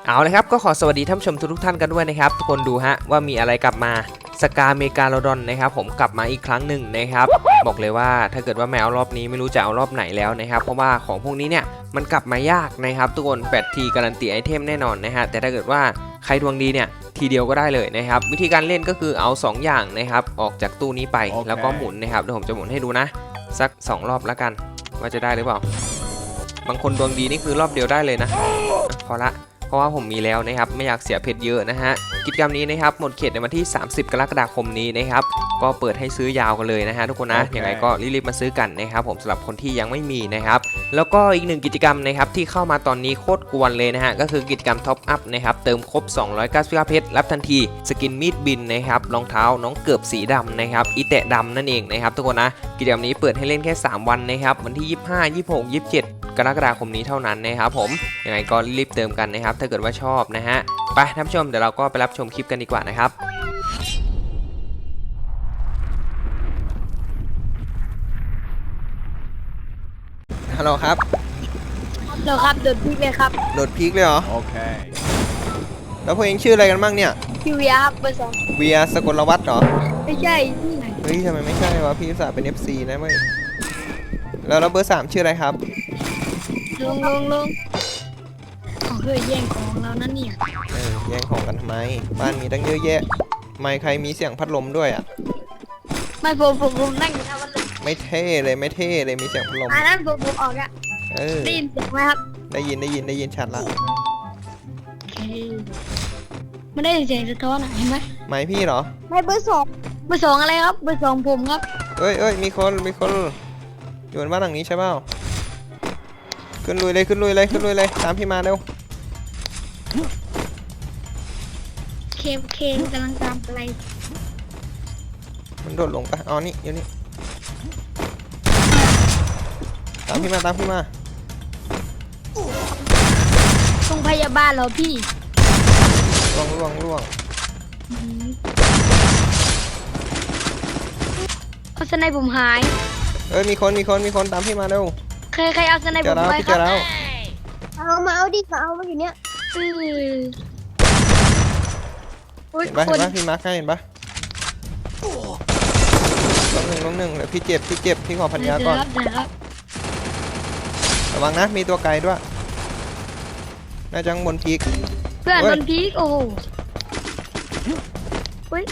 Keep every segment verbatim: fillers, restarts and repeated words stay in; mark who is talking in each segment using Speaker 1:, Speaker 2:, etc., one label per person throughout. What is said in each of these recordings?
Speaker 1: เอาเลยครับก็ขอสวัสดีท่านผู้ชมทุกท่านกันด้วยนะครับทุกคนดูฮะว่ามีอะไรกลับมาสกาเมกาโลดอนนะครับผมกลับมาอีกครั้งหนึ่งนะครับบอกเลยว่าถ้าเกิดว่าแมวรอบนี้ไม่รู้จะเอารอบไหนแล้วนะครับเพราะว่าของพวกนี้เนี่ยมันกลับมายากนะครับทุกคนแปดทีการันตีไอเทมแน่นอนนะฮะแต่ถ้าเกิดว่าใครดวงดีเนี่ยทีเดียวก็ได้เลยนะครับวิธีการเล่นก็คือเอาสองอย่างนะครับออกจากตู้นี้ไป okay. แล้วก็หมุนนะครับเดี๋ยวผมจะหมุนให้ดูนะสักสองรอบแล้วกันว่าจะได้หรือเปล่าบางคนดวงดีนี่คือรอบเดียวได้เลยนะพอละเพราะว่าผมมีแล้วนะครับไม่อยากเสียเพชรเยอะนะฮะกิจกรรมนี้นะครับหมดเขตในวันที่สามสิบกรกฎาคมนี้นะครับก็เปิดให้ซื้อยาวกันเลยนะฮะทุกคนนะ okay. ยังไงก็รีบๆมาซื้อกันนะครับผมสำหรับคนที่ยังไม่มีนะครับแล้วก็อีกหนึ่งกิจกรรมนะครับที่เข้ามาตอนนี้โคตรกวนเลยนะฮะก็คือกิจกรรมท็อปอัพนะครับเติมครบสองร้อยเก้าสิบเก้าเพชรรับทันทีสกินมีดบินนะครับรองเท้าน้องเกือบสีดำนะครับอีแตะดำนั่นเองนะครับทุกคนนะกิจกรรมนี้เปิดให้เล่นแค่สามวันนะครับวันที่ยี่สิบห้า ยี่สิบหก ยี่สิบเจ็ดกรกฎาคมนี้เท่านั้นนะครับผมยังไงก็รีบเติมกันนะครับถ้าเกิดว่าชอบนะฮะไปท่านผู้ชมเดี๋ยวเราก็ไปรับชมคลิปกันดีกว่านะครับฮัลโหลครับ
Speaker 2: ฮัลโหลครับโดดพีกเลยครับ
Speaker 1: โดดพีกเลยเหรอโอเคแล้วพวกเองชื่ออะไรกันบ้างเนี่ย
Speaker 2: พี่เวียครับเบอร์สอง
Speaker 1: เวียสกลวัฒน์เหรอ
Speaker 2: ไม่ใช่ที่ไหน
Speaker 1: เฮ้ยทำไมไม่ใช่วะพี่สาวเป็น เอฟ ซี นะมึงแล้วแล้วเบอร์สามชื่ออะไรครับ
Speaker 2: ลงลงลงเขาเคยแย่งของเรานั่นเนี่ย
Speaker 1: เออแย่งของกันทำไมบ้านมีตั้งเยอะแยะไม่ใครมีเสียงพัดลมด้วยอ่ะ
Speaker 2: ไม่ผมผมผมนั่งอยู่ทำมันเลย
Speaker 1: ไม่เท่เลยไม่เท่เลยมีเสียงพัดลม
Speaker 2: อันนั้นผมผมออกอะได้ยินเสียงไหมครับ
Speaker 1: ได้ยินได้ยินได้ยินชัดละ
Speaker 2: โอเคไม่ได้เสียงสะท้อนเห็นไหม
Speaker 1: ไม่พี่เหรอ
Speaker 2: ไม่เบอร์สองเบอร์สองอะไรครับเบอร์สองผมครับ
Speaker 1: เอ้ยเอ้ยมีคนมีคนอยู่บ้านหลังนี้ใช่เปล่าขึ้นลุยเลยขึ้นลุยเลยขึ้นลุยเลยตามพี่มาเร็ว
Speaker 2: เคมเคมกำลังตามอะไร
Speaker 1: มันโดดลงปะอ๋อนี่อยู่นี่ตามพี่มาตามพี่มา
Speaker 2: โรงพยาบาลเหรอพี่
Speaker 1: ล่วงล่วงล่วง
Speaker 2: เอาสไนป์ผมหาย
Speaker 1: เอ้ยมีคนมีคนมีคนตามพี่มาเร็ว
Speaker 2: ใครใครเอาสไนป์ผมไปครับเอามาเอาดิมาเอามาอยู่เนี้ย
Speaker 1: เห็นปะเห็นปะพี่มาร์คให้เห็นปะลงหนึ่งลงหนึ่งเดี๋ยวพี่เจ็บพี่เจ็บพี่ขอพันยาก่อนระวังนะมีตัวไกลด้วยน่าจะบนพีก
Speaker 2: เพื่อนบนพีกโอ้โหเฮ้ย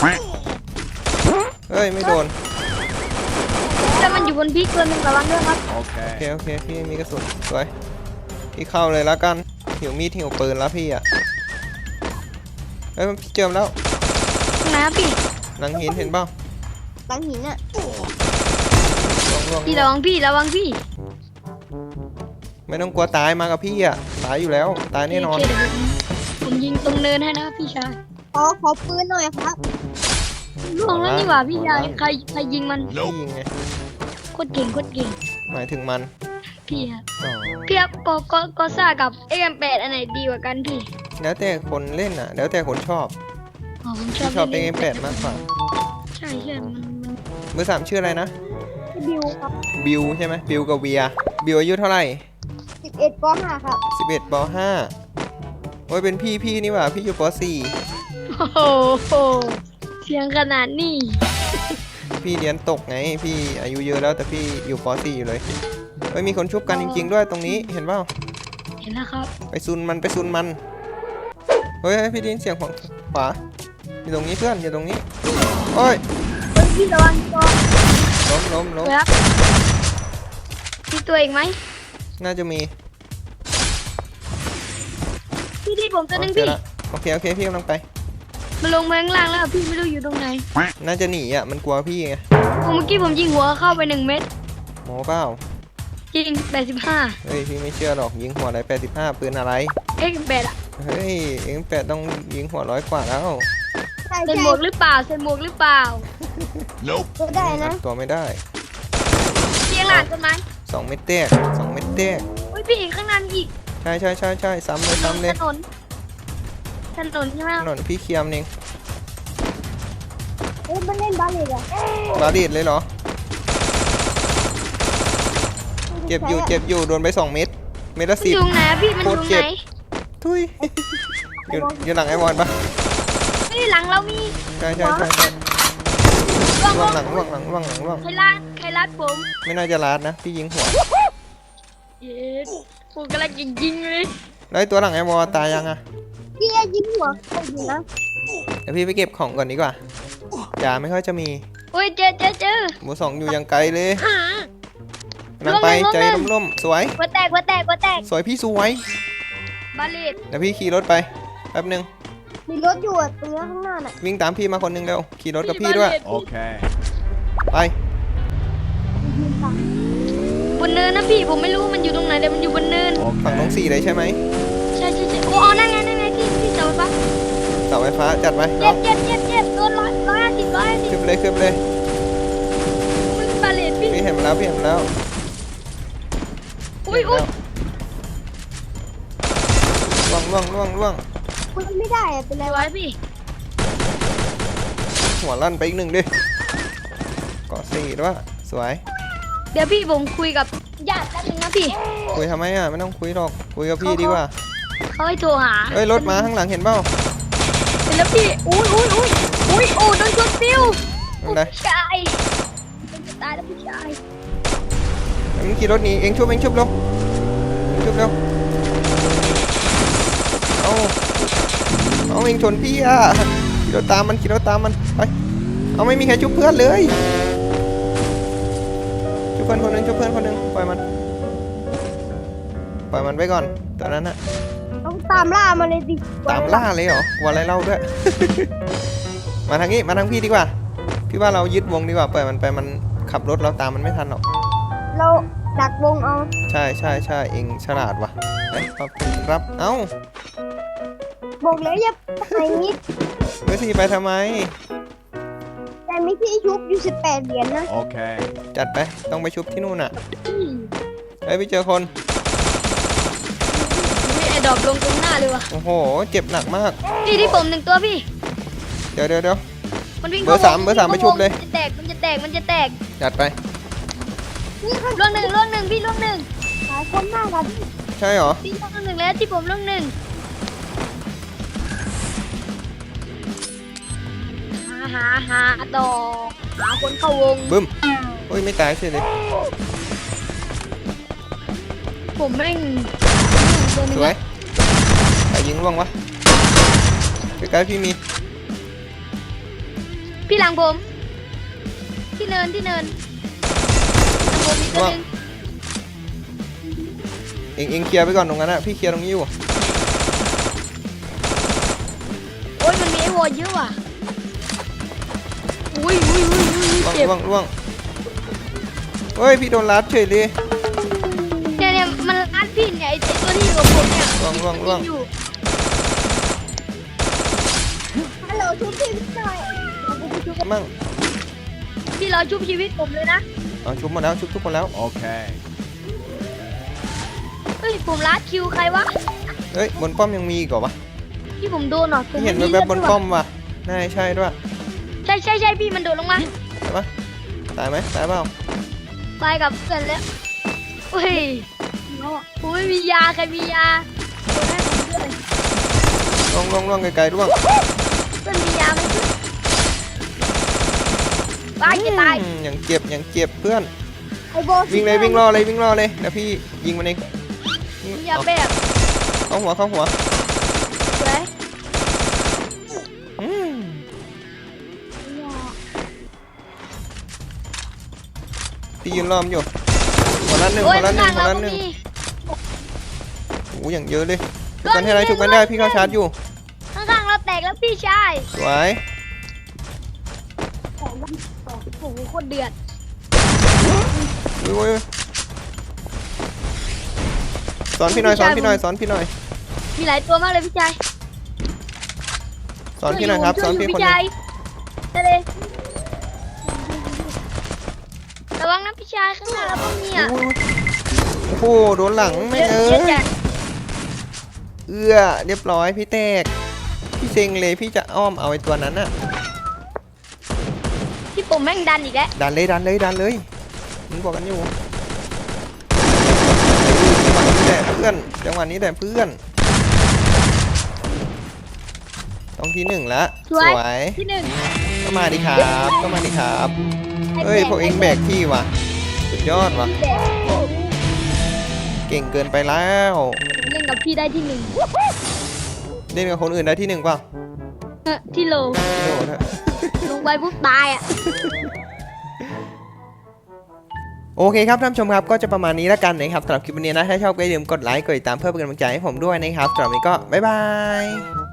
Speaker 1: เฮ้ยไม่โดน
Speaker 2: แต่มันอยู่บนพีกตัวนึงระวังด้วยครับ
Speaker 1: โอเคโอเคพี่มีกระสุนสวยพี่เข้าเลยแล้วกันหิวมีดหิวปืนแล้วพี่อ่ะเฮ้ยพี่เจิมแล้ว
Speaker 2: นะพี่
Speaker 1: หลังหินเห็นเปล่า
Speaker 2: หลังหินอ่ะพี่ระวังพี่ระวังพี่
Speaker 1: ไม่ต้องกลัวตายมากับพี่อ่ะตายอยู่แล้วตายแน่นอน
Speaker 2: ผมยิงตรงเนินให้นะพี่ชายขอขอปืนหน่อยครับล่วงแล้วนี่หว่าพี่ชายใครใครยิงมัน
Speaker 1: พี่ยิงไง
Speaker 2: โคตรเก่งโคตรเก่ง
Speaker 1: หมายถึงมัน
Speaker 2: พี่ครับพี่ครับก็ก็ก็ซ่ากับเอ็มแปดอันไหนดีกว่ากันพี่
Speaker 1: แล้วแต่คนเล่นอ่ะแล้วแต่คนชอบ
Speaker 2: อ๋อผมชอบ
Speaker 1: ชอบเอ็มแปดมากกว่า
Speaker 2: ใช่ใช่มันมัน
Speaker 1: เบอร์สามชื่ออะไรนะ
Speaker 2: บิวครับ
Speaker 1: บิวใช่ไหมบิวกับเวียบิวอายุเท่าไหร่
Speaker 2: สิบเอ็ดปห้าครับ
Speaker 1: สิบเอ็ดปห้าโอ้ยเป็นพี่พี่นี่หว่าพี่อยู่ปสี่
Speaker 2: โอ้โหเสียงขนาดนี้
Speaker 1: พี่เรียนตกไงพี่อายุเยอะแล้วแต่พี่อยู่ปสี่อยู่เลยเฮ้ยมีคนชุบกันจริงๆด้วยตรงนี้เห็นเปล่า
Speaker 2: เห็นแล้วครับ
Speaker 1: ไปซุนมันไปซุนมันเฮ้ยพี่ได้ยินเสียงของขวาอยู่ตรงนี้เพื่อนอยู่ตรงนี้โอ้ย
Speaker 2: พี่ระวังตัว
Speaker 1: ล้มล้มล้ม
Speaker 2: มีตัวเองไหม
Speaker 1: น่าจะมี
Speaker 2: พี่ที่ผมตัวนึงพี่
Speaker 1: โอเคโอเคพี่กำลังไป
Speaker 2: มันลงมาข้างล่างแล้วพี่ไม่รู้อยู่ตรงไหน
Speaker 1: น่าจะหนีอ่ะมันกลัวพี่ไง
Speaker 2: เมื่อกี้ผมยิงหัวเข้าไปหนึ่งเม็ด
Speaker 1: โมเปล่า
Speaker 2: ยิงแปดสิบห้า
Speaker 1: เฮ้ยพี่ไม่เชื่อหรอกยิงหัวอะไรแปดสิบห้าปืนอะไร
Speaker 2: เอ็กแปดอ่ะ
Speaker 1: เฮ้ยเอ็กแปดต้องยิงหัวร้อยกว่าแล้ว
Speaker 2: ใส่หมวกหรือเปล่าใส่หมวกหรือเปล่าตัวได้นะ
Speaker 1: ตัวไม่ได้
Speaker 2: เพียงหลานต้นไม้
Speaker 1: สองเม็ดแตกสองเม็ดแตก
Speaker 2: โอ้ยพี่อีกข้างนั้นอีก
Speaker 1: ใช่ใช่ใช่ใช่ซ้ำเลยซ้ำเลย
Speaker 2: ถนนถนนใช่ไหม
Speaker 1: ถนนพี่เคียมเอง
Speaker 2: เอ้ยมันเล่นบาลีดอะ
Speaker 1: บาลีดเลยเหรอเจ็บอยู่เจ็บอยู่โดนไปสองเม็ดเม็ดละสิบ
Speaker 2: อยู่ไหนพี่มันอยู่ไหน
Speaker 1: โททุยอยู่อยู่หลังไอ้บอลปะ
Speaker 2: นี่หลังเรามี
Speaker 1: ใช่ใช่ใช่ใช่
Speaker 2: ล่วง
Speaker 1: ล่
Speaker 2: ล่
Speaker 1: ว
Speaker 2: ว
Speaker 1: ง
Speaker 2: ง
Speaker 1: หลังล่วงหลังล่วงหลังล่วง
Speaker 2: ใครลาดใครลาดผม
Speaker 1: ไม่น่าจะลาดนะพี่ยิงหัว
Speaker 2: เย้ผมกำลังยิงๆเลย
Speaker 1: แล้วไอ้ตัวหลังไอ้บอลตายยังอะ
Speaker 2: พี่ยิงหัวใครอยู่นะ
Speaker 1: เดี๋ยวพี่ไปเก็บของก่อนดีกว่าจ่าไม่ค่อยจะมี
Speaker 2: โอ้ยเจอเจอเจอ
Speaker 1: หมูสองอยู่ยังไกลเลยนั่งไปใจร่มๆสวย
Speaker 2: หัวแตกหัวแตกหัวแตก
Speaker 1: สวยพี่สวย
Speaker 2: บาเลต
Speaker 1: เดี๋ยวพี่ขี่รถไปแป๊บนึง
Speaker 2: มีรถอยู่อ่ะตรงนี้ข้างหน้าน่ะ
Speaker 1: วิ่งตามพี่มาคนนึงเร็วขี่รถกับพี่ด้วย
Speaker 3: Okay.
Speaker 1: ไป
Speaker 2: บนเนินนะพี่ผมไม่รู้มันอยู่ตรงไหนแต่มันอยู่บนเนิน
Speaker 1: ฝั่งน้อง
Speaker 3: Okay.
Speaker 1: สี่เลยใช่ไหม
Speaker 2: ใช่ใช่ใช่โอ้เอานั่นไงนั่นไงที่ที่เสาไฟฟ้า
Speaker 1: เสาไฟฟ้าจัดไป
Speaker 2: เจ็
Speaker 1: เนาะ
Speaker 2: บเจ็บเจ็บเจ็บโดนร้อยร้อยห้าสิบร้อยห้าสิบ
Speaker 1: ขึ้นไปเลยขึ้นไปเลย
Speaker 2: มันบาเลตพี่
Speaker 1: พี่เห็นมาแล้วพี่เห็นมาแล้ว
Speaker 2: อุ้ยอุ้ย
Speaker 1: ล่วงล่วงล่วงล่วง
Speaker 2: คุณไม่ได้อะเป็นไรวะพี่
Speaker 1: หัวลั่นไปอีกหนึ่งดิเกาะสี่ด้วยสวย
Speaker 2: เดี๋ยวพี่ผมคุยกับญาติแป๊บนึงนะพี่
Speaker 1: คุยทำไมอ่ะไม่ต้องคุยหรอกคุยกับพี่ดีกว่า
Speaker 2: เขาให้โทรหา
Speaker 1: เอ้ยรถมาข้างหลังเห็นเปล่า
Speaker 2: เสร็จแล้วพี่อุ้ยอุ้ยอุ้ยอุ้ยโอ้โดนชนฟิว
Speaker 1: นั่นไง
Speaker 2: ผู้ชายจะตายแล้วผู้ชาย
Speaker 1: เอ็งขี่รถหนีเอ็งชุบเอ็งชุบเร็วเอ็งชุบเร็วเอาเอาเอ็งชนพี่อ่ะขี่รถตามมันขี่รถตามมันไปเอาไม่มีใครชุบเพื่อนเลยชุบเพื่อนคนหนึงชุบเพื่อนคนหนึงปล่อยมันปล่อยมันไปก่อนตอนนั้นอะ
Speaker 2: ต้องตามล่ามาเลยดิ
Speaker 1: ตามล่าเลยเหรอกลัวอะไรเล่าด้วย มาทางนี้มาทางพี่ดีกว่าพี่ว่าเรายึดวงดีกว่าปล่อยมันไปมันขับรถเราตามมันไม่ทันหรอก
Speaker 2: เราดักวงเอา
Speaker 1: ใช่ใช่ใช่เองฉลาดว่ะเอ้ยขอบคุณครับเอ้า
Speaker 2: บอกแล้วอย่าไปนิด
Speaker 1: เบอร์สี่ไปทำไม
Speaker 2: แต่ไม่ที่ชุบอยู่สิบแปดเหรียญนะ
Speaker 3: Okay.
Speaker 1: จัดไปต้องไปชุบที่นู่นอ่ะเฮ้ยไปเจอคน
Speaker 2: มีไอ้ดอกลงตรงหน้าเลยวะ
Speaker 1: โอ้โหเจ็บหนักมาก
Speaker 2: พี่ที่ผมหนึ่งตัวพี่
Speaker 1: เดี๋ยวเดี๋ยวเดี๋ยว
Speaker 2: มันวิ่ง
Speaker 1: เบอร์สามเบอร์สามไปชุบเลย
Speaker 2: มันจะแตกมันจะแตกมันจะแตก
Speaker 1: จัดไป
Speaker 2: ล่วงหนึ่งล่วงหนึ่งพี่ล่วงหนึ่งหลายคนมากครับ
Speaker 1: ใช่เหรอ
Speaker 2: พี่ล่วงหนึ่งแล้วที่ผมล่วงหนึ่งหาหาหาต่อหาคนเข้าวง
Speaker 1: บึ้มโอ้ยไม่ตายเฉยเลย
Speaker 2: ผมแม่งตัวหนึ
Speaker 1: ส
Speaker 2: ง
Speaker 1: วย
Speaker 2: นะ
Speaker 1: ใครยิงร่วงวะใกล้ๆพี่มี
Speaker 2: พี่หลังผม ที่เนินที่เนินหลังผมมีตัวหนึง
Speaker 1: เองเองเคลียร์ไปก่อนตรงนั้นอะพี่เคลียร์ตรงนี้อยู่
Speaker 2: โอ้ยมันมีไอ้วอลเยอะว่ะอุ้ยอุ้ยอุ้ยอุ้ย
Speaker 1: ร่วง
Speaker 2: เจ็บ
Speaker 1: ร่วงร่วงเฮ้ยพี่โดนลัดเฉยเลย
Speaker 2: เนี่ยเนี่ยมันรัดพี่เนี่ยไอ้ไอ้ตัวที่อยู่กับผมเนี่ย
Speaker 1: ร่วงร่วงร่วง
Speaker 2: อยู่ฮัลโหลชุบชีวิตหน่อย
Speaker 1: มั่ง
Speaker 2: พี่รอชุบชีวิตผมเลยนะ
Speaker 1: เอาชุบหมดแล้วชุบทุกคนแล้ว
Speaker 3: Okay.
Speaker 2: เฮ้ยผมรัดคิวใครวะ
Speaker 1: เฮ้ยบนป้อมยังมีอีกเหรอวะ
Speaker 2: ที่ผมโดนเหรอผม
Speaker 1: พี่เห็น
Speaker 2: ไม่
Speaker 1: แวบๆบนป้อ
Speaker 2: เลื
Speaker 1: มว่ะน่าใช่ด้วย
Speaker 2: ใช่ใช่ใช่พี่มันโดดลงมา
Speaker 1: ใช่ปะตายไหมตายเปล่า
Speaker 2: ตายกับเพื่อนแล้วเฮ้ยผมไม่มียาใครมียาโดนให้ผมด้วย
Speaker 1: ร่วงร่วงร่วงไกลๆร่วง
Speaker 2: เพื่อนมียาไหมตายจะตาย
Speaker 1: อืมยังเจ็บยังเจ็บเพื่อน
Speaker 2: ไอ้โบ
Speaker 1: วิ่งเลยวิ่งรอเลยวิ่งรอเลยเดี๋ยวพี่ยิงมันเอง
Speaker 2: ยาแบบ
Speaker 1: เข้าหัวเข้าหัว
Speaker 2: เลย
Speaker 1: อืมพี่ยืนล้อมอยู่คนละหนึ่ง
Speaker 2: โอ้
Speaker 1: ค
Speaker 2: ย
Speaker 1: นละหนึ่ง
Speaker 2: ข้าง
Speaker 1: คน
Speaker 2: เรา
Speaker 1: ละ
Speaker 2: ก็
Speaker 1: หนึ่ง
Speaker 2: มี
Speaker 1: โอ้อย่างเยอะเลยชุบกันให้ได้ชุบกันได้พี่เข้าชาร์จอยู่
Speaker 2: ข้างๆเราแตกแล้วพี่ชาย
Speaker 1: สวย
Speaker 2: โอ้โหโคตรเดือด
Speaker 1: อุ้ยอุ้ยสอนพี่หน่อยสอนพี่หน่อยสอนพี่หน่อย
Speaker 2: มีหลายตัวมากเลยพี่ชาย
Speaker 1: สอนพี่หน่อยครับสอนพี่คนหนึง
Speaker 2: ได้เลยระวังนะพี่ชายข้างหน้าเราก็มีอ่ะ
Speaker 1: อุ้ยโอ้โหโดนหลังไม่เอ้
Speaker 2: เยอะ
Speaker 1: ย
Speaker 2: จัด
Speaker 1: เอื้อเรียบร้อยพี่แตกพี่เซ็งเลยพี่จะอ้อมเอาไอ้ตัวนั้นอะ
Speaker 2: พี่ผมแม่งดันอีกแล้ว
Speaker 1: ดันเลยดันเลยดันเลยมึงบอกกันอยู่จังหวะนี้แหละเพื่อนจังหวะนี้แหละเพื่อน
Speaker 3: ต้องที่หนึ่งแล้ว
Speaker 2: สวย
Speaker 3: วย
Speaker 2: ที่หนึ่ง
Speaker 3: ก็มาดิครับก็มาดิครับเฮ้ยพวกเองแบกที่ว่ะสุดยอดว่ะ
Speaker 2: แบก
Speaker 3: เก่งเกินไปแล้ว
Speaker 2: เล่นกับพี่ได้ที่หนึ่ง
Speaker 3: เล่นกับคนอื่นได้ที่หนึ่งเปล่า
Speaker 2: เออที่โล
Speaker 3: พี่โดดฮะ
Speaker 2: ลงไปปุ๊บตายอ่ะ
Speaker 3: โอเคครับท่านผู้ชมครับก็จะประมาณนี้แล้วกันนะครับสำหรับคลิปวันนี้นะถ้าชอบก็อย่าลืมกดไลค์กดติดตามเพื่อเป็นกำลังใจให้ผมด้วยนะครับสำหรับวันนี้ก็บ๊ายบาย